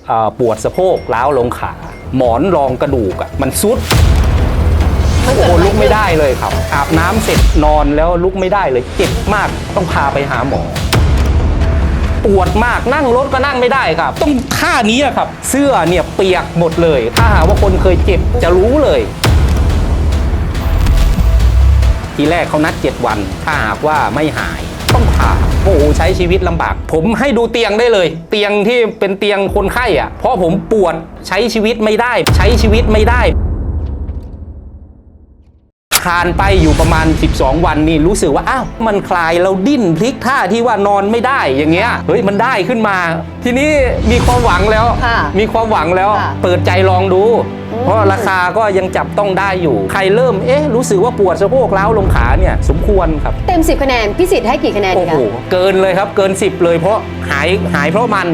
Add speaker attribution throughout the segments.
Speaker 1: ปวดสะโพกล้าวลงขาหมอนรองกระดูกมันซุดโอ้ลุกไม่ได้เลยครับอาบน้ำเสร็จนอนแล้วลุกไม่ได้เลยเจ็บมากต้องพาไปหาหมอปวดมากนั่งรถก็นั่งไม่ได้ครับต้องท่านี้ครับเสื้อเนี่ยเปียกหมดเลยถ้าหากว่าคนเคยเจ็บจะรู้เลยทีแรกเขานัด7 วันถ้าหากว่าไม่หายต้องผ่าโอ้โหใช้ชีวิตลำบากผมให้ดูเตียงได้เลยเตียงที่เป็นเตียงคนไข้เพราะผมปวดใช้ชีวิตไม่ได้ทานไปอยู่ประมาณ12 วันนี่รู้สึกว่าอ้าวมันคลายเราดิ้นพลิกท่าที่ว่านอนไม่ได้อย่างเงี้ยเฮ้ยมันได้ขึ้นมาทีนี้มีความหวังแล้วเปิดใจลองดูเพราะราคาก็ยังจับต้องได้อยู่ใครเริ่มรู้สึกว่าปวดสะโพกล้าวลงขาเนี่ยสมควรครับ
Speaker 2: เต็ม10 คะแนนพี่สิทธิ์ให้กี่คะแนนดีคะ
Speaker 1: โอ้โหเกินเลยครับเกิน10เลยเพราะหายเพราะมัน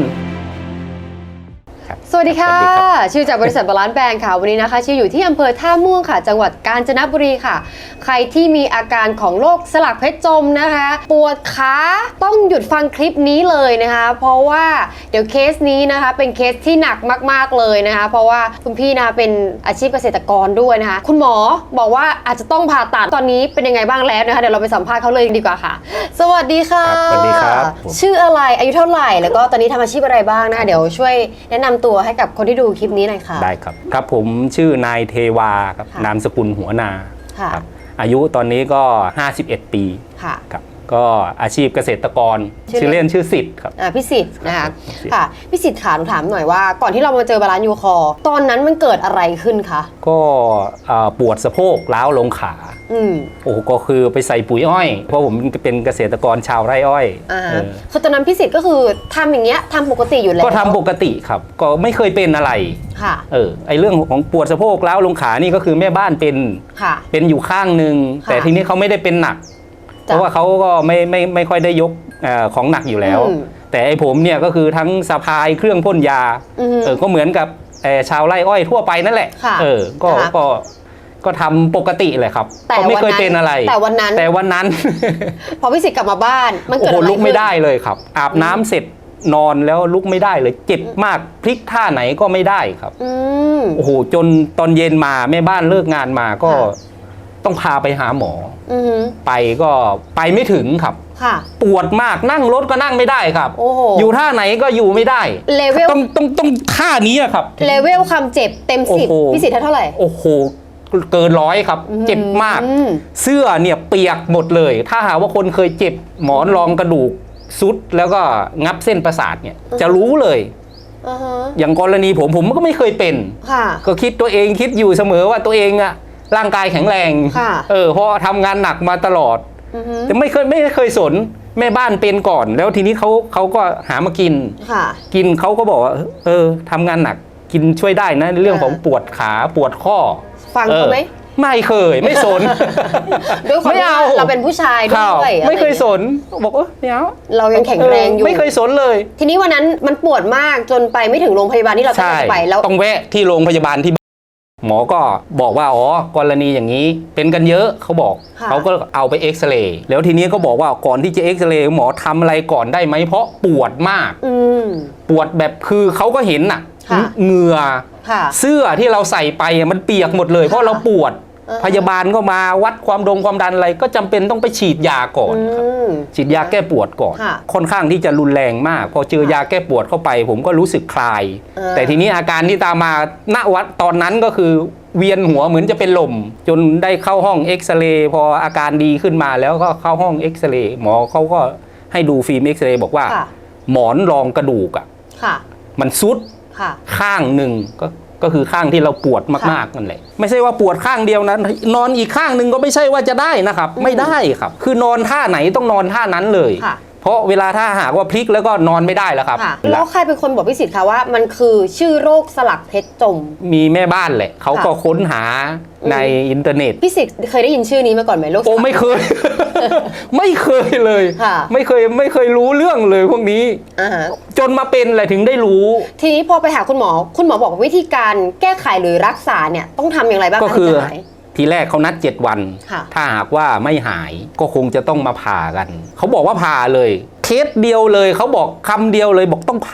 Speaker 2: สวัสดีค่ะชื่อจากบริษัทบาลานซ์แบรนด์ค่ะวันนี้นะคะชื่ออยู่ที่อำเภอท่าม่วงค่ะจังหวัดกาญจนบุรีค่ะใครที่มีอาการของโรคสลักเพชรจมนะคะปวดขาต้องหยุดฟังคลิปนี้เลยนะคะเพราะว่าเดี๋ยวเคสนี้นะคะเป็นเคสที่หนักมากๆเลยนะคะเพราะว่าคุณพี่นะเป็นอาชีพเกษตรกรด้วยนะคะคุณหมอบอกว่าอาจจะต้องผ่าตัดตอนนี้เป็นยังไงบ้างแล้วนะคะเดี๋ยวเราไปสัมภาษณ์เขาเลยดีกว่าค่ะสวัสดีค่ะ
Speaker 1: สวัสดีครับ
Speaker 2: ชื่ออะไรอายุเท่าไหร่แล้วก็ตอนนี้ทำอาชีพอะไรบ้างนะคะเดี๋ยวช่วยแนะนำตัวให้กับคนที่ดูคลิปนี้หน่อยค่ะ
Speaker 1: ได้ครับครับผมชื่อนายเทวาครับนามสกุลหัวนาครับอายุตอนนี้ก็51 ปีครับก็อาชีพเกษตรกรชื่อเล่นชื่อสิทธิ์ครับ
Speaker 2: พี่สิทธิ์นะคะค่ะพี่สิทธิ์ขาหนูถามหน่อยว่าก่อนที่เรามาเจอบาลานซ์ยูคอตอนนั้นมันเกิดอะไรขึ้นคะ
Speaker 1: ก็ปวดสะโพกล้าวลงขาโอ้ก็คือไปใส่ปุ๋ยอ้อยเพราะผมเป็นเกษตรกรชาวไร่อ้อย
Speaker 2: คือตอนนั้นพี่สิทธิ์ก็คือทำอย่างเงี้ยทำปกติอยู่แล้ว
Speaker 1: ก็ทำปกติครับก็ไม่เคยเป็นอะไร
Speaker 2: ค่ะ
Speaker 1: ไอเรื่องของปวดสะโพกล้าวลงขานี่ก็คือแม่บ้านเป็นอยู่ข้างหนึ่งแต่ทีนี้เขาไม่ได้เป็นหนักเพราะว่าเขาก็ไม่ค่อยได้ยกของหนักอยู่แล้วแต่ไอผมเนี่ยก็คือทั้งสะพายเครื่องพ่นยาก็เหมือนกับชาวไร่อ้อยทั่วไปนั่นแหละก็ทำปกติเลยครับก็ไม่เคยเป็นอะไร
Speaker 2: แต่วันนั้นพอพี่สิทธิ์กลับมาบ้านมันเกิดอะไร
Speaker 1: ลุกไม่ได้เลยครับอาบน้ำเสร็จนอนแล้วลุกไม่ได้เลยเจ็บมากพลิกท่าไหนก็ไม่ได้ครับโอ้โหจนตอนเย็นมาแม่บ้านเลิกงานมาก็ต้องพาไปหาหมอไปก็ไปไม่ถึงครับปวดมากนั่งรถก็นั่งไม่ได้ครับอยู่ท่าไหนก็อยู่ไม่ได้
Speaker 2: เลเวล
Speaker 1: ต้องท่านี้ครับ
Speaker 2: เลเวลความเจ็บเต็ม10พี่สิทธิ์เท่าไหร่
Speaker 1: โอ้โหเกิน100ครับเจ็บมากเสื้อเนี่ยเปียกหมดเลยถ้าหากว่าคนเคยเจ็บหมอนรองกระดูกซุดแล้วก็งับเส้นประสาทเนี่ยจะรู้เลยอย่างกรณีผมก็ไม่เคยเป็นก็คิดตัวเองคิดอยู่เสมอว่าตัวเองร่างกายแข็งแรงเพราะทำงานหนักมาตลอดแต่ไม่เคยสนแม่บ้านเป็นก่อนแล้วทีนี้เขาก็หามากินเขาก็บอกว่าทำงานหนักกินช่วยได้นะเรื่องของปวดขาปวดข้อ
Speaker 2: ฟังเขาไหม
Speaker 1: ไม่เคยไม่สน
Speaker 2: ไม่เอาเราเป็นผู้ชายด้วย
Speaker 1: ไม่เคยสนบอกไม่เอา
Speaker 2: เรายังแข็งแรงอยู่
Speaker 1: ไม่เคยสนเลย
Speaker 2: ทีนี้วันนั้นมันปวดมากจนไปไม่ถึงโรงพยาบาลที่เราต้องไปแล้ว
Speaker 1: ต้องแวะที่โรงพยาบาลที่หมอก็บอกว่ากรณีอย่างนี้เป็นกันเยอะเขาบอกเขาก็เอาไปเอ็กซเรย์แล้วทีนี้ก็บอกว่าก่อนที่จะเอ็กซเรย์หมอทำอะไรก่อนได้ไหมเพราะปวดมากปวดแบบคือเขาก็เห็นเหงื่อเสื้อที่เราใส่ไปมันเปียกหมดเลยเพราะเราปวดพยาบาลก็มาวัดความดันอะไรก็จำเป็นต้องไปฉีดยาก่อนฉีดยาแก้ปวดก่อนค่อนข้างที่จะรุนแรงมากพอเจอยาแก้ปวดเข้าไปผมก็รู้สึกคลายแต่ทีนี้อาการที่ตามมาณวัดตอนนั้นก็คือเวียนหัวเหมือนจะเป็นลมจนได้เข้าห้องเอ็กซเรย์พออาการดีขึ้นมาแล้วก็เข้าห้องเอ็กซเรย์หมอเขาก็ให้ดูฟิล์มเอ็กซเรย์บอกว่าหมอนรองกระดูกมันซุดข้างหนึ่งก็คือข้างที่เราปวดมากๆนั่นแหละไม่ใช่ว่าปวดข้างเดียวนั้นนอนอีกข้างหนึ่งก็ไม่ใช่ว่าจะได้นะครับไม่ได้ครับคือนอนท่าไหนต้องนอนท่านั้นเลยเพราะเวลาถ้าหากว่าพลิกแล้วก็นอนไม่ได้แล้วครับ
Speaker 2: แล้วใครเป็นคนบอกพี่สิทธิ์คะว่ามันคือชื่อโรคสลักเพชรจม
Speaker 1: มีแม่บ้านแหละเขาก็ค้นหาในอินเทอร์เน็ต
Speaker 2: พี่สิทธิ์เคยได้ยินชื่อนี้มาก่อนไหมโรค
Speaker 1: โอ้ไม่เคย ไม่เคยเลยไม่เคยรู้เรื่องเลยพวกนี้จนมาเป็นอะไรถึงได้รู้
Speaker 2: ทีนี้พอไปหาคุณหมอบอกวิธีการแก้ไขหรือรักษาเนี่ยต้องทำอย่างไรบ้าง
Speaker 1: ก็คือทีแรกเขานัด7 วันถ้าหากว่าไม่หายก็คงจะต้องมาผ่ากันเขาบอกว่าผ่าเลยเคสเดียวเลยเขาบอกคำเดียวเลยบอกต้องผ่า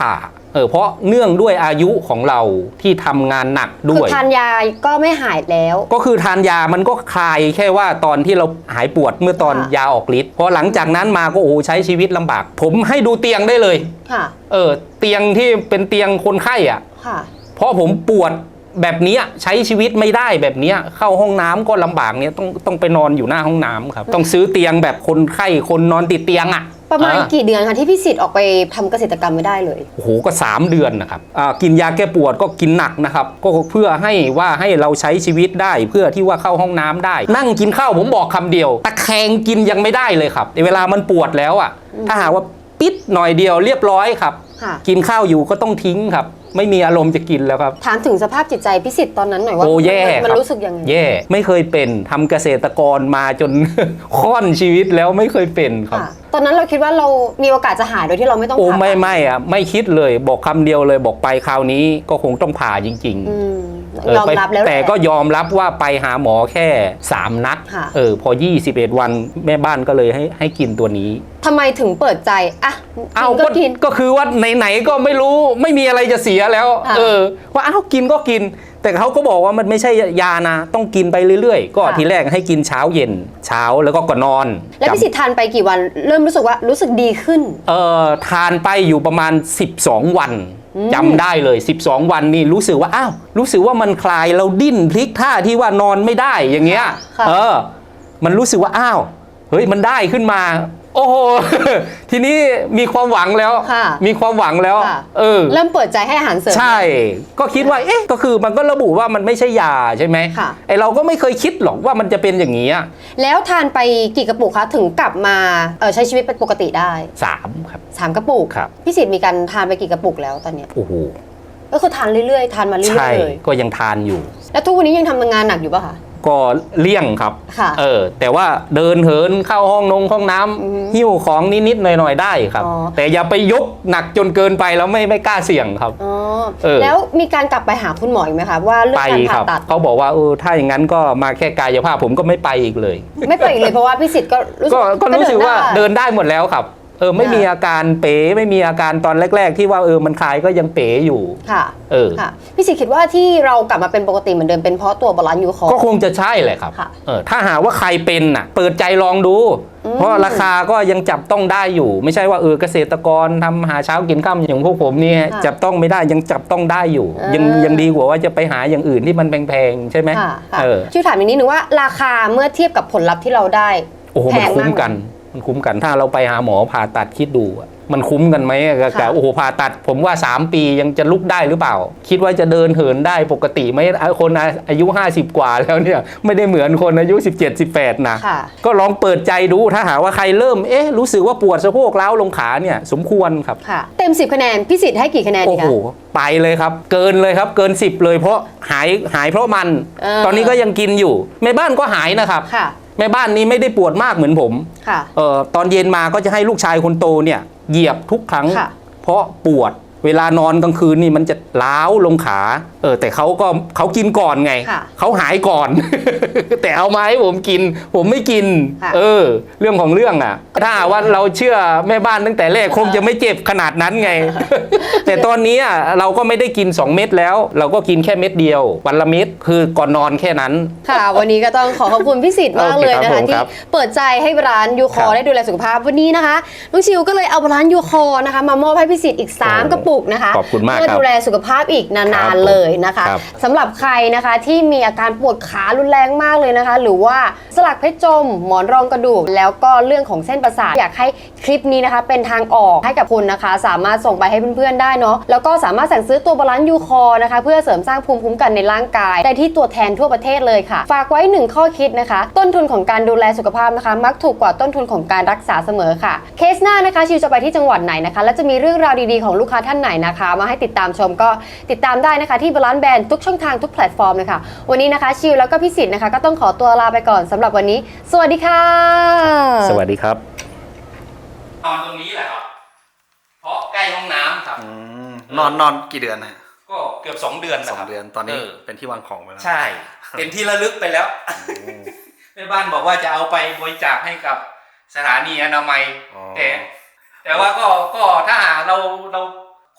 Speaker 1: เพราะเนื่องด้วยอายุของเราที่ทำงานหนักด้
Speaker 2: คื
Speaker 1: วย
Speaker 2: อทานยาก็ไม่หายแล้ว
Speaker 1: ก็คือทานยามันก็คลายแค่ว่าตอนที่เราหายปวดเมื่อตอน
Speaker 2: ค่ะ
Speaker 1: ยาออกฤทธิ์พอหลังจากนั้นมาก็ใช้ชีวิตลำบาก ผมให้ดูเตียงได้เลย
Speaker 2: ค่ะ
Speaker 1: เตียงที่เป็นเตียงคนไข้อ่ะ
Speaker 2: ค่ะ
Speaker 1: เพราะผมปวดแบบเนี้ยใช้ชีวิตไม่ได้แบบเนี้ยเข้าห้องน้ำก็ลำบากเนี้ยต้องไปนอนอยู่หน้าห้องน้ำครับต้องซื้อเตียงแบบคนไข้คนนอนติดเตียงอ่ะ
Speaker 2: ประมาณกี่เดือนคะที่พี่สิทธิ์ออกไปทำเกษตรกรรมไม่ได้เลย
Speaker 1: โอ้โหก็3 เดือนนะครับกินยาแก้ปวดก็กินหนักนะครับก็เพื่อให้เราใช้ชีวิตได้เพื่อที่ว่าเข้าห้องน้ำได้ นั่งกินข้าวผมบอกคำเดียวตะแคงกินยังไม่ได้เลยครับเวลามันปวดแล้วอ่ะถ้าหากว่าปิดหน่อยเดียวเรียบร้อยครับ
Speaker 2: ค่ะ
Speaker 1: กินข้าวอยู่ก็ต้องทิ้งครับไม่มีอารมณ์จะกินแล้วครับ
Speaker 2: ถามถึงสภาพจิตใจพี่สิทธิ์ตอนนั้นหน่อยว่า
Speaker 1: แย่
Speaker 2: มัน
Speaker 1: ครับ
Speaker 2: รู้สึกยังไง
Speaker 1: แย่ไม่เคยเป็นทำเกษตรกรมาจน ค่อนชีวิตแล้วไม่เคยเป็นครับ
Speaker 2: ค่ะ ตอนนั้นเราคิดว่าเรามีโอกาสจะหายโดยที่เราไม่ต้องผ่าตัด
Speaker 1: ไม่คิดเลยบอกคำเดียวเลยบอกไปคราวนี้ก็คงต้องผ่าจริง
Speaker 2: อืม
Speaker 1: ๆ
Speaker 2: ยอมรับแล้วหละ
Speaker 1: แต่ก็ยอมรับว่าไปหาหมอแค่3 นัด
Speaker 2: ค่ะ
Speaker 1: พอ21 วันแม่บ้านก็เลยให้กินตัวนี้
Speaker 2: ทำไมถึงเปิดใจอ่ะกินก็กิน
Speaker 1: ก็คือว่าไหนๆก็ไม่รู้ไม่มีอะไรจะเสียแล้ว
Speaker 2: ค่ะ
Speaker 1: ว่ากินก็กิน แต่เขาก็บอกว่ามันไม่ใช่ยานะต้องกินไปเรื่อยๆ ก็
Speaker 2: ค่ะ
Speaker 1: ทีแรกให้กินเช้าเย็นเช้าแล้วก็ก่อนนอน
Speaker 2: แล้วพี่สิทธิ์ทานไปกี่วันเริ่มรู้สึกว่ารู้สึกดีขึ้น
Speaker 1: ทานไปอยู่ประมาณ12 วันจำได้เลย 12 วันนี่รู้สึกว่ารู้สึกว่ามันคลายเราดิ้นพลิกท่าที่ว่านอนไม่ได้อย่างเงี้ย
Speaker 2: ค่ะ
Speaker 1: มันรู้สึกว่าเฮ้ยมันได้ขึ้นมา โอ้โห ทีนี้มีความหวังแล้ว
Speaker 2: ค่ะ
Speaker 1: มีความหวังแล้ว
Speaker 2: ค่ะ เริ่มเปิดใจให้อาหารเสริม
Speaker 1: ใช่ ก็คิดว่าก็คือมันก็ระบุว่ามันไม่ใช่ยาใช่ไหม
Speaker 2: ค่ะ
Speaker 1: เราก็ไม่เคยคิดหรอกว่ามันจะเป็นอย่างนี้อะ
Speaker 2: แล้วทานไปกี่กระปุกคะถึงกลับมาใช้ชีวิตเป็นปกติได้
Speaker 1: 3 ครับ
Speaker 2: 3 กระปุก
Speaker 1: ครับ
Speaker 2: พี่สิทธิ์มีการทานไปกี่กระปุกแล้วตอนเนี้ย
Speaker 1: โอ้โห
Speaker 2: ก็คือทานเรื่อยๆทานมาเรื่
Speaker 1: ใช่
Speaker 2: อยๆเลย
Speaker 1: ก็ยังทานอยู่
Speaker 2: แล้วทุกวันนี้ยังทำงานหนักอยู่ป่ะคะ
Speaker 1: ก็เลี่ยงครับ
Speaker 2: ค่ะ
Speaker 1: แต่ว่าเดินเหินเข้าห้องน้ำหิ้วของนิดๆหน่อยๆได้ครับ
Speaker 2: อ๋อ
Speaker 1: แต่อย่าไปยกหนักจนเกินไปแล้วไม่กล้าเสี่ยงครับ
Speaker 2: อ๋อ
Speaker 1: เออ
Speaker 2: แล้วมีการกลับไปหาคุณหมออีกไหมคะว่าเรื่อง
Speaker 1: ไป
Speaker 2: การ
Speaker 1: ค
Speaker 2: ผ่า
Speaker 1: รับ
Speaker 2: ตัด
Speaker 1: เขาบอกว่าถ้าอย่างนั้นก็มาแค่กายภาพผมก็ไม่ไปอีกเลย
Speaker 2: ไม่ไปอีกเลยเพราะว่าพี่สิทธิ์ก็รู้สึก
Speaker 1: ก็รู้สึกว่าเดิ
Speaker 2: ได้
Speaker 1: นได้หมดแล้วครับไม่มีอาการเป๋ไม่มีอาการตอนแรก ๆ ที่ว่ามันคลายก็ยังเป๋อยู่
Speaker 2: ค่ะ ค่ะพี่สิทธิ์คิดว่าที่เรากลับมาเป็นปกติเหมือนเดิมเป็นเพราะตัวบาลานซ์ยูคอร์
Speaker 1: ก็คงจะใช่แหละครับ
Speaker 2: ค่ะ
Speaker 1: ถ้าหากว่าใครเป็นเปิดใจลองดู เพราะราคาก็ยังจับต้องได้อยู่ ไม่ใช่ว่าเกษตรกรทำหาเช้ากินค่ำอย่างพวกผมเนี่ยจับต้องไม่ได้ยังจับต้องได้อยู่ ยังดีกว่าว่าจะไปหาอย่างอื่นที่มันแพงๆใช่ไหม
Speaker 2: ค่ะช่วยถามอีกนิดนึงว่าราคาเมื่อเทียบกับผลลัพธ์ที่เราได้
Speaker 1: โอ้โห
Speaker 2: แพ
Speaker 1: มัน
Speaker 2: ง
Speaker 1: คุ้ม
Speaker 2: มาก
Speaker 1: กันมันคุ้มกันถ้าเราไปหาหมอผ่าตัดคิดดูมันคุ้มกันไหมกับโอ้โหผ่าตัดผมว่า3 ปียังจะลุกได้หรือเปล่า คิดว่าจะเดินเหินได้ปกติไหมคนอายุ50 กว่าแล้วเนี่ยไม่ได้เหมือนคนอายุ17-18นะ
Speaker 2: ค่ะ
Speaker 1: ก็ลองเปิดใจดูถ้าหากว่าใครเริ่มรู้สึกว่าปวดสะโพกร้าวลงขาเนี่ยสมควรครับ
Speaker 2: ค่ะ เต็ม 10 คะแนนพี่สิทธิ์ให้กี่คะแนน
Speaker 1: โอ้
Speaker 2: ดี
Speaker 1: โห
Speaker 2: คะ
Speaker 1: ไปเลยครับเกินเลยครับเกิน10เลยเพราะหายเพราะมัน ตอนนี้ก็ยังกินอยู่แม่บ้านก็หายนะครับ
Speaker 2: ค่ะ
Speaker 1: แม่บ้านนี้ไม่ได้ปวดมากเหมือนผม
Speaker 2: ค่ะ
Speaker 1: ตอนเย็นมาก็จะให้ลูกชายคนโตเนี่ยเหยียบทุกครั้ง
Speaker 2: ค่ะ
Speaker 1: เพราะปวดเวลานอนกลางคืนนี่มันจะล้าวลงขาแต่เขากินก่อนไง
Speaker 2: ค่ะ
Speaker 1: เขาหายก่อน แต่เอามาให้ผมกิน ผมไม่กิน
Speaker 2: ค่ะ
Speaker 1: เรื่องของเรื่องถ้าว่าเราเชื่อแม่บ้านตั้งแต่แรกคงจะไม่เจ็บขนาดนั้นไง แต่ตอนนี้เราก็ไม่ได้กิน2 เม็ดแล้ว เราก็กินแค่เม็ดเดียววันละเม็ดคือก่อนนอนแค่นั้น
Speaker 2: ค่ะ วันนี้ก็ต้องขอบคุณพี่สิทธิ์มากเลยนะ
Speaker 1: โอเคครั
Speaker 2: คะ
Speaker 1: บผม
Speaker 2: ที่
Speaker 1: ครับ
Speaker 2: เปิดใจให้ร้านยูคอ
Speaker 1: ครับ
Speaker 2: ได้ดูแลสุขภาพวันนี้นะคะน้องชิวก็เลยเอาร้านยูคอนะคะมามอบให้พี่สิทธิ์อีก 3 กระปุกนะคะ
Speaker 1: ขอบคุณมาก
Speaker 2: เพื่อ
Speaker 1: ครับ
Speaker 2: ดูแลสุขภาพอีก
Speaker 1: ครั
Speaker 2: นาน
Speaker 1: บ
Speaker 2: ๆเลยนะคะ
Speaker 1: ครับ
Speaker 2: สำหรับใครนะคะที่มีอาการปวดขารุนแรงมากเลยนะคะ หรือว่าสลักเพชรจม หมอนรองกระดูก แล้วก็เรื่องของเส้นประสาทอยากให้คลิปนี้นะคะเป็นทางออกให้กับคุณนะคะ สามารถส่งไปให้เพื่อนๆได้เนาะแล้วก็สามารถสั่งซื้อตัวบาลานซ์ยูคอนะคะเพื่อเสริมสร้างภูมิคุ้มกันในร่างกายได้ที่ตัวแทนทั่วประเทศเลยค่ะ ฝากไว้ 1 ข้อคิดนะคะ ต้นทุนของการดูแลสุขภาพนะคะ มักถูกกว่าต้นทุนของการรักษาเสมอค่ะเคสหน้านะคะชิวจะไปที่จังหวัดไหนนะคะและจะมีเรื่องราวดีๆของลูกค้าท่านไหนนะคะ มาให้ติดตามชมก็ติดตามได้นะคะที่บาลานซ์แบรนด์ทุกช่องทางทุกแพลตฟอร์มเลยค่ะวันนี้นะคะชิวแล้วก็พี่สิทธิ์นะคะก็ต้องขอตัวลาไปก่อนสำหรับวันนี้ สวัสดีค่ะ
Speaker 1: สวัสดีครับนอนตรงนี้แหละครับเพราะใกล้ห้องน้ำครับ
Speaker 3: นอนกี่เดือนนะ
Speaker 1: ก็เกือบ2 เดือน
Speaker 3: ส
Speaker 1: นะ
Speaker 3: อง
Speaker 1: ครับ
Speaker 3: เดือนตอนนี้เป็นที่วางของไปแล้ว
Speaker 1: ใช่ เป็นที่ระลึกไปแล้วแม่บ้านบอกว่าจะเอาไปบริจาคให้กับสถานีอนามัย
Speaker 3: อ๋อ
Speaker 1: แต่ว่าก็ถ้าหากเราค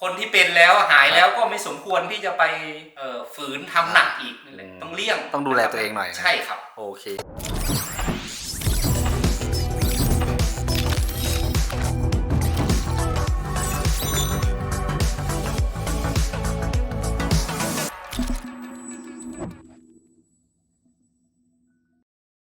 Speaker 1: คนที่เป็นแล้วหายแล้วก็ไม่สมควรที่จะไปฝืนทำหนักอีกนั่นแหละต้องเลี่ยง
Speaker 3: ต้องดูแลตัวเองหน่อย
Speaker 1: ใช่ครับ
Speaker 3: โอเค